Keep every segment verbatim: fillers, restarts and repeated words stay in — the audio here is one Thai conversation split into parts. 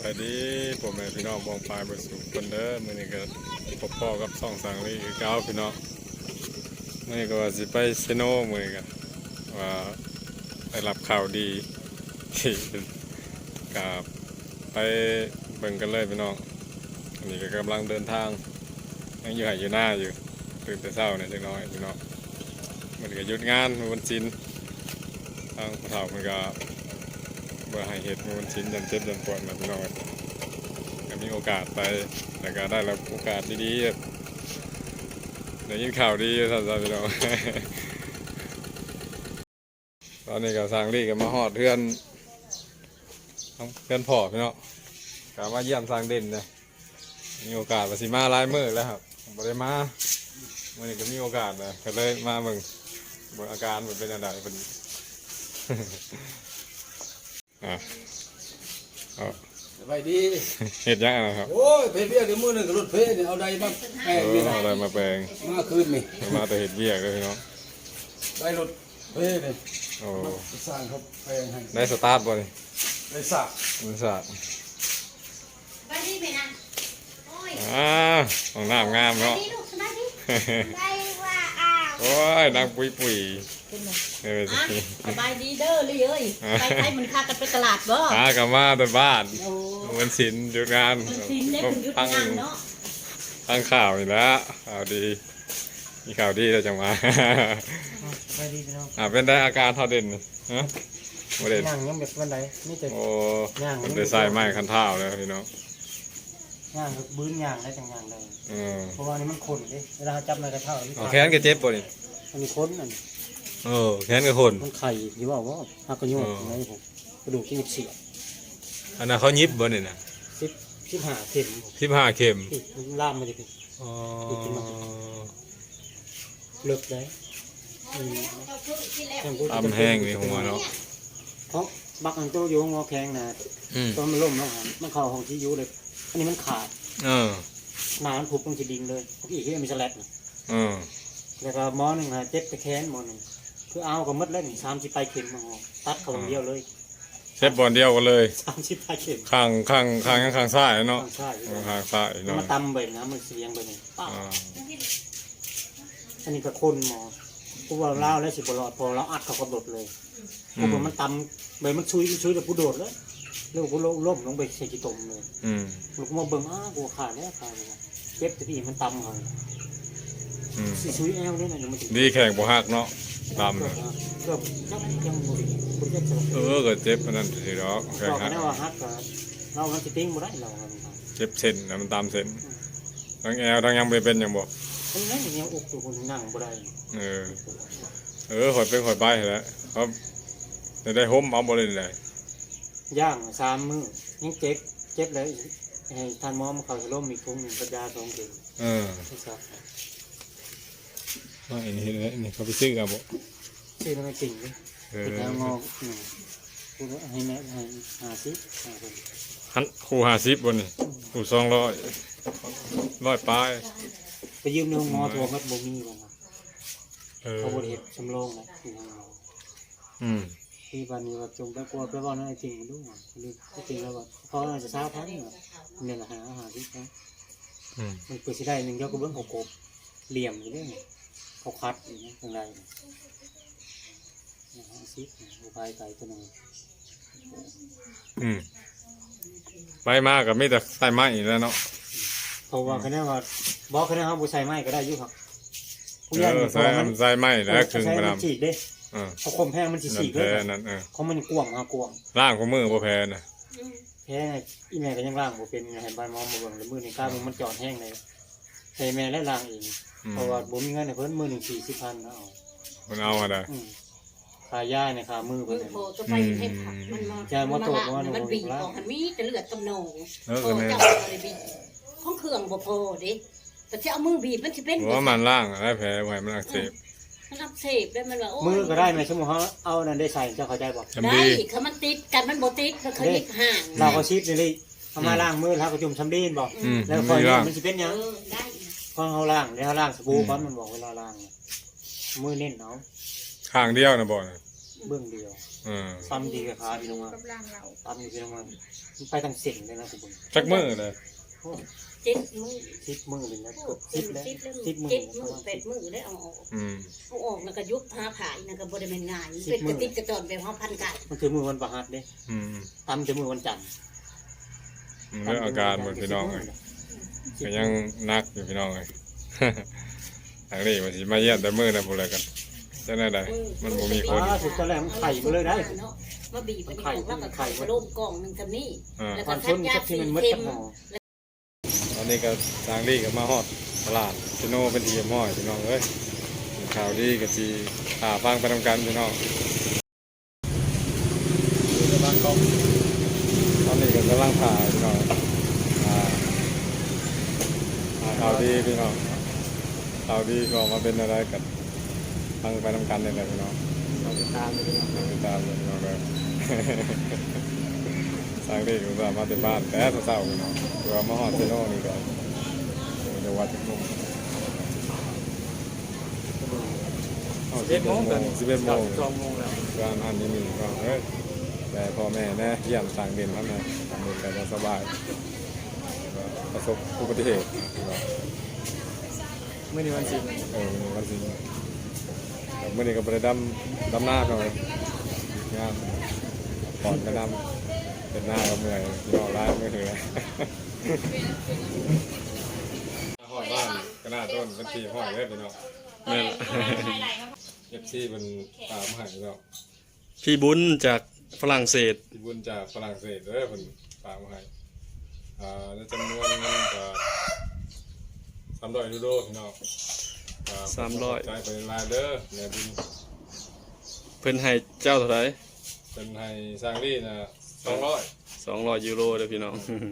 ไปดีผมแม่พี่น้องมองปลายบนสูงคนเด้อมื้อนี้ก็พบพ่อกับซ่องสังลีคือเก้าพี่น้องมื้อนี้ก็ว่าสิไปเซโนมื้อนี้ก็ว่าได้รับข่าวดีที่กับไปเบิ่งกันเลยพี่น้องอันนี้ก็กำลังเดินทางยังอยู่ไหอยู่หน้าอยู่ตื่นแต่เช้าเนี่ยจังน้อยพี่น้องมันก็หยุดงานวันศิลป์ทางผู้เฒ่ามันก็เมื่อให้เหตุมันชิ้นยันเจ็บยันปวดนะพี่น้องก็มีโอกาสไปแต่ก็ได้รับโอกาสดีๆได้ยินข่าวดีท่านพี่น้องตอนนี้ก็สร้างรีกันมาหอดเพื่อนเพื่อนพ่อพี่น้องกลับมาเยี่ยมสร้างเด่นเลยมีโอกาสมาสิมาลายมือแล้วครับบ่ได้มาวันนี้ก็มีโอกาสเลยก็เลยมาเบิ่งเบิ่งอาการมันเป็นอะไรพอดีอ่ะไปดีเห็ดยังนะครับโอ้ยเพเบี้ยกับมือหนึ่งกับรถเพเนี่ยเอาใดมาแปลงนี่เอาอะไรมาแปลงมาคืนนี่มาแต่เห็ดเบี้ยเลยเนาะได้รถเพเนี่ยโอ้สร้างเขาแปลงให้ได้สตาร์ทบ่นี่ได้สร้างได้สร้างไปดีไหมนะโอ้ยอ่าของน้ำงามเนาะได้ว่าอ้าวโอ้ยนางปุยปุยเออสบายดีเด้อเลยเอ้ยไปใช้มันค่ากันไปตลาดบ่หากลับมาแต่บ้านมันสินหยุดงานตั้งเนาะตั้งข่าวนี่แล้วข่าวดีมีข่าวดีแล้วจังมาไปดีพี่น้องอ่าเป็นได้อาการเท่าเด่นฮะโมเดลย่างยังแบบวันไหนนี่จะโอ้ย่างเป็นใส่ไม้คันเท้าเลยพี่น้องย่างบื้นย่างได้จังย่างเลยเพราะว่านี่มันขนดิเวลาจับในกระเท้าแขนก็เจ็บป่ะนี่มันมีขนอันเออแขนก็ขนมันไข่ยี่ว่าว่าหักกระโยงอะไรผมกระดูกที่เสียอันนั้นเขายิบบ่เนี่ยนะสิบสิบห้าเข็มสิบห้าเข็มล่ามมันจะเป็นอ๋อเลิกได้ทำแห้งในหัวเนาะเพราะบักอันโตอยู่งอแข็งนะตอนมันล่มแล้วมันเข่าของที่ยูเลยอันนี้มันขาดเออหนามันผูกตรงจีดิงเลยพวกอีกที่มีสลัดเออแล้วก็หมอหนึ่งฮะเจ็บตะแคงหมอหนึ่งคือเอากับมัดแล้วหนึ่งสามสิบปลายเข็มมาหอตัดเขาเดียวเลยเช็ดบอลเดียวกันเลยสามสิบปลายเข็มข้างข้างข้างข้างซ้ายเนาะข้างซ้ายข้างซ้ายเนาะมันตำไปนะมันเสียงไปเลยป้าอันนี้ก็คนหมอพวกเราเล่าแล้วสิบหลอดพอเราอัดเขากระโดดเลยพวกมันตำใบมันชุยชุยแต่ผู้โดดเลยแล้วกูล้มลงไปใส่กีตมเลยลูกมาเบิ่งอ้ากูขาดแล้วขาดเลยเจ็บที่มันตำเขาสีชุยแอลนี่นะมันดีแข่งบ่ฮักเนาะตำเลยเกือบยังบุรีคุณเจ็บเออก็เจ็บมันนั่นสิเนาะแข่งฮักเราฮักเรามันจะติ้งบ่ได้เราเจ็บเส้นนะมันตามเส้นทั้งแอลทั้งยังไปเป็นยังบ่ทั้งนั้นยังอุกตัวคนนั่งบ่ได้เออเออหอยเป็นหอยใบแล้วครับจะได้ห่มเอาบ่เลยเลยย่างสามมือยังเจ็บเจ็บเลยให้ทานหมอมาเขาจะล้มมีทุ่งหนึ่งปัญญาสองเดือนเออว่าอันนี้เลยนี่เขาไปซื้อกันบ่ซื้อแล้วไม่จริงเลยติดแล้วงอหนึ่งคูให้แม่ให้หาซิปหาคนหันคู่หาซิปบนนี่คู่สองร้อยร้อยปลายไปยืมในห้องงอทัวร์มัดบ่มีเลยเขาบริเหตุชำลองนะที่ห้องงออืมที่วันนี้ว่าจงไปกลัวไปว่านั่นจริงดูหรือจริงแล้วว่าเขาอาจจะเช้าพักเนี่ยแหละหาอาหารที่เขามันเปิดสิได้หนึ่งยอดกระเบื้องเขากบเหลี่ยมอยู่ด้วยเขาคัดอย่างนี้ตรงไหนนะฮะซิปอุบายไก่ตัวนึงอืมไปมากกับไม่แต่ใส่ไม้แล้วเนาะเพราะว่าคะแนนว่าบอกคะแนนเขาบุใส่ไม้ก็ได้ยุ่งครับเออใส่ใส่ไม้แล้วถึงมาทำฉีกได้เขาคมแพงมันฉีกเลยเขามันกวงมากวงล่างของมือบ่แพ้นะแพ้อีแม่ก็ยังล่างบ่เป็นไงเห็นใบมอมมาเบิ่งเลยมือหนึ่งก้าวมันจอดแห้งเลยใส่แม่และล่างเองเพราะว่าบ่มีเงินในเพิ่นมือหนึ่งสี่สิบพันเอาคนเอาอะไรขาย่าเนี่ยขามือเพิ่นจะไปเทปผักมันมาจะมาตรวจว่ามันบีบของมันมีแต่เลือดกำนองเออกันเนี่ยห้องเครื่องบ่พอเด็แต่ที่เอามือบีบมันจะเป็นว่ามันล่างอะไรแผลไว้มันอักเสบมันอักเสบได้มันว่ามือก็ได้ไหมสมมติเขาเอานั่นได้ใส่เจ้าเข้าใจบอกได้เขามันติดกันมันโบติดเขาเขายิบห่างเราก็ชิดเลยเอามาล่างมือแล้วก็จุ่มช้ำดีนบอกแล้วคอยมันจะเป็นยังพอเขาล่างแล้วเขาล่างสบู่ก้อนมันบอกเวลาล่างมือเน้นเนาะข้างเดียวนะบอกเบื้องเดียวอืมตำดีกับขาพี่น้องมากับร่างเราตำดีพี่น้องมามันไปทางเส้นเลยนะคุณบุญจักมื้อเลยโอ้เจ็ดมือสิบมือเลยนะโอ้สิบแล้วเจ็ดแล้วสิบมือเจ็ดปมืระอมาณแปดมือได้เอาออกอืมเอาออกแล้วก็ยุบผ้าผายนะก็บ่ได้เป็นง่ายเป็นกระติกกระจอนแบบเฮาพันไก่มันคือมือวันประหัสเด้อืมตำจะมือวันจันทร์อืมเรื่องอาการเหมือนพี่น้องเลยก็ยังนักอยู่พี่น้องเลย ทางนี้มันสิมาเยี่ยมแต่มื้อนะพุ่นแล้วกันจังได๋ได้มันบ่มีคนอ่าสุดตอนแรกมันไข่มาเลยได้เนาะมาบีบไปนี่ออกแล้วก็ไข่มาโล่มกล่องหนึงกับนี่อ่าแล้วคก็วามทัชดนยากับที่สีมันมืดเค็กับมหอตอนนี้ก็ทางนี้ก็มาฮอดตลาดชิโนเป็นทีมห้อยพี่น้องเอ้ยข่าวดีก็สิหาฟังไปทำกันพี่น้องอยู่ในบ้านกองตอนนี้ก็กำลังถ่ายพี่น้องอ่าหาข่าวดีพี่น้องข่าวดีก็มาเป็นอะไรกันฟังไปทำกันนี่แหละพี่น้องเราติดตามเลยพี่น้องติดตามเลยพี่น้องเลย สร้างได้อยู่มาที่บ้านแต่เศร้าๆพี่น้องเรือมาฮอดชิโนนี่ก็เดี๋ยววัดทุกมุมสิบเอ็ดโมงกันสิบเอ็ดโมงสองโมงแล้วร้านอาหารที่นี่ก็เฮ้ยแต่พ่อแม่แน่เยี่ยมต่างเด่นแล้วนะต่างเด่นแต่ว่าสบายก็ประสบอุบัติเหตุนะที่ว่าเมื่อนี้วันศิลป์เออวันสิแต่เมื่อนี้ก็ไปดำดำหน้าหน่อยงานก่อนก็ดำเป็นหน้าก็เมื่อยยอดร้ายไม่เหนื่อยห้อยบ้านก็น่าต้นเป็นทีห้อยเลยพี่น้องนี่นเอฟซีเป็นตามหายแล้วพี่บุญจากฝรั่งเศสที่บุญจากฝรั่งเศสเด้อเพิ่นฝากมาให้อ่าในจำนวนเงินก็สามร้อยยูโรพี่น้องอ่สามร้อยจ่ายไปรายเด้อแม่บุญเพิ่นให้เจ้าเท่าไหร่เป็นให้สร้างลี่นะสองร้อยสองร้อยยูโรเด้อพี่น้อง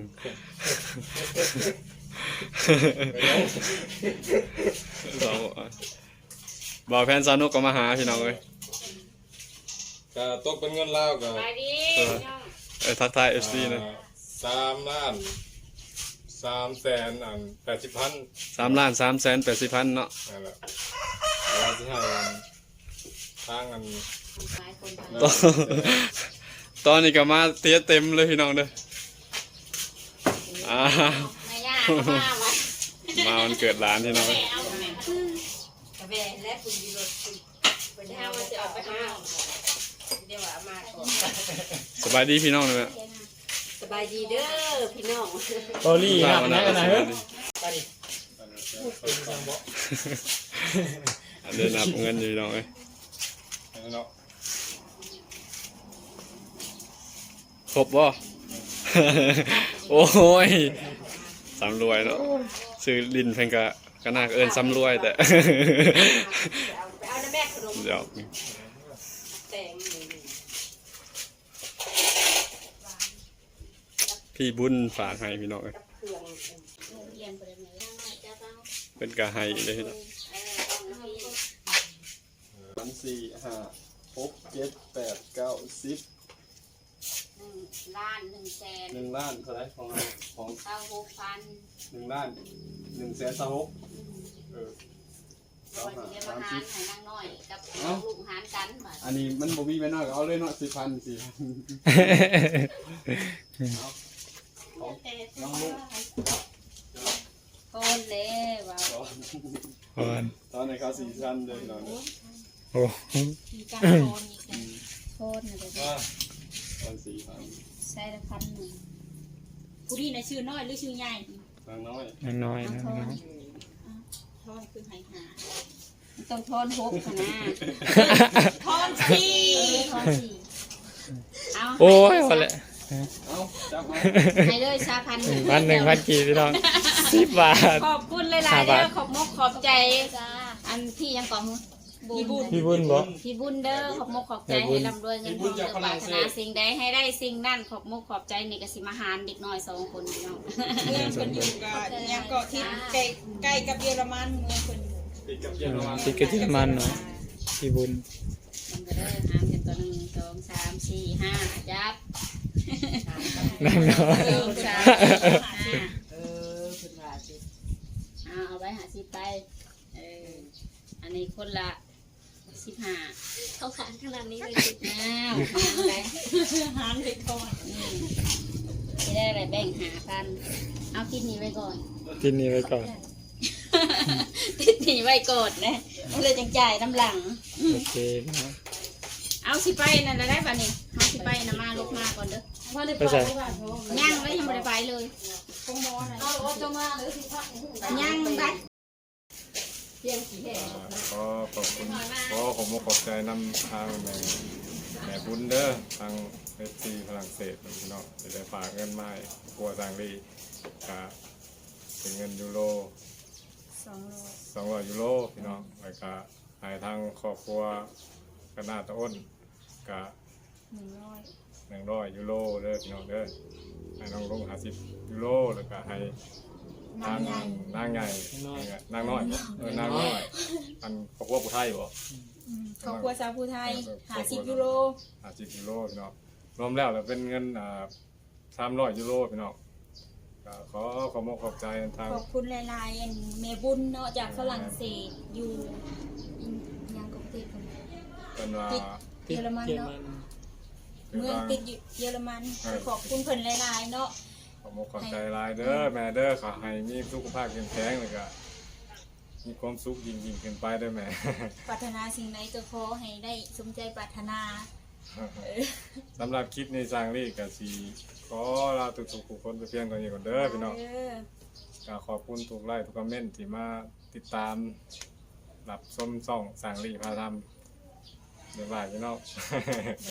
สองบ่าวแฟนสาวนุกก็มาหาพี่น้องเลยก็ตกเป็นเงินลาวก็ไปดิเออทักทายเอฟซีนะอ่าสามล้านสามแสนอันแปดสิบพันสามล้านสามแสนแปดสิบพันเนาะนั่นแหละเราที่ให้อันทางอันหลายคนตอนตอนนี้ก็มาเตี้ยเต็มเลยพี่น้องเด้ออ้าวแม่ย่าก็มาไว้มาวันเกิดหลานพี่น้องเลยเอาแม่กระแบและคุณดีรถคุณเป็นห้าวันจะออกไปห้าเดี๋ยวว่ามาก่อนสบายดีพี่น้องเลยแม่สบายดีเด้อพี่น้องโอลี่มานะวันไหนนั้นกันไหนสเฮ้บาย ยดีไปดิอันเดินนับเงินอยู่พี่น้องเลยเนาะครบบ่ โอ้ยสำรวยเนาะซื้อลินเพิ่นก็ก็น่าเอิ้นสำรวยแต่ไปเอาน้ำแม่ขนมเดี๋ยวแตงพี่บุญฝากให้พี่น้องเอ้ยเครื่องเรียนไปเลยจะเอาเพิ่นก็ให้เลยพี่น้องเออต้องให้สามสี่ห้าหกเจ็ดแปดเก้าสิบหนึ่งล้านหนึ่งแสนหนึ่งล้านเท่าไหร่ของเราของเก้าหกพันหนึ่งล้านหนึ่งแสนสามหกเออเราจะเรียนมาหารให้นางน้อยกับน้องลุงหารกันมาอันนี้มันบ่มีไว้น้อยก็เอาเลยเนาะสิบพันสี่พันน้องลูกโคนเลยว่าตอนในเขาสี่พันเลยเนาะมีการโคนอีกนะโคนอะไรว่าตอนสี่พันใส่ละพันหนึ่งผู้ดีนะชื่อน้อยหรือชื่อใหญ่นางน้อยน้อยทนะอนทอนคือหายหาต้องทอนหกนะทอนสี่ทอนสี่เอาโอ้ยวันละเอาจับมาให้เลยชาพันหนึ่งพันหนึ่งพันกี่พี่น้องสิบบาทขอบคุณหลายๆเด้อขอบมกขอบใจอันพี่ยังก่อนพี่บุญพี่บุญบอกพี่บุญเด้อขอบมกขอบใจให้ร่ำรวยเงินทองเงินปรารถนาสิ่งใดให้ได้สิ่งนั้นขอบมกขอบใจนี่กสิมาหารเด็กน้อยสองคนพี่น้องเมืองคนอยู่กับยังเกาะทิศใกล้ใกล้กับเยอรมันเมืองคนอยู่ติดกับเยอรมันติดกระเทียมมันเนาะพี่บุญมันก็ได้หามกันตัวหนึ่งสองสามสี่ห้าจับนั่งเนาะหนึ่งสามห้าเออคุณว่าสิเอาเอาไว้หาสิบไปเอออันนี้คนละสิบห้าเข้าขันขนาดนี้เลยอ้าวไปหารไปก่อนจะได้อะไรแบ่งหากันเอาคิดนี้ไว้ก่อนกินนี่ไว้ก่อนคิดนี้ไว้ก่อนนะมันเลยจังจ่ายน้ำหลังโอเคนะเอาสิไปนั่นแล้วได้ป่ะนี่เอาสิไปนะมาลูกมาก่อนเด้อไปใส่ย่างไว้ยังไม่ได้ไปเลยคงมอนะเอาจะมาหรือสิพักย่างบัดขอขอบคุณขอผมขอบใจนำทางแม่แม่บุญเด้อทางเอฟซีฝรั่งเศสพี่น้องจะได้ฝากเงินมาให้ครัวสังลีก็เป็นเงินยูโรสองโลสองร้อยยูโรพี่น้องแล้วก็ให้ทางครอบครัวกระนาตะอ้นก็หนึ่งร้อยหนึ่งร้อยยูโรเด้อพี่น้องเด้อให้น้องลงห้าสิบยูโรแล้วก็ให้ทางนางใหญ่นางน้อยบ่เออนางน้อยอันครอบครัวผู้ไทยบ่ครอบครัวสาวผู้ไทยหาสิบยูโรห้าสิบยูโรพี่น้องรวมแล้วแล้วเป็นเงินอ่าสามร้อยยูโรพี่น้องก็ขอขอบคุณขอบใจทางขอบคุณหลายๆอันเมบุญเนาะจากฝรั่งเศสอยู่อินยังกบติดกันเป็นว่าเยอรมันเนาะเมืองติดอยู่เยอรมันขอบคุณเพิ่นหลายๆเนาะขอบคุณขอบใจหลายเด้อแม่เด้อขอให้มีสุขภาพแข็งแรงแล้วก็มีความสุขยิ่งยิ่งขึ้นไปเด้อแม่ปรารถนาสิ่งใดก็ขอให้ได้สมใจปรารถนาสำหรับคลิปนี้สร้างรีกับสีขอลาทุกๆคนไปเพียงตัวนี้ก่อนเด้อพี่น้องเออก็ขอบคุณทุกไลค์ทุกคอมเมนต์ที่มาติดตามรับชมส่องสร้างรีพาทำเดี๋ยวบ่ายพี่น้อง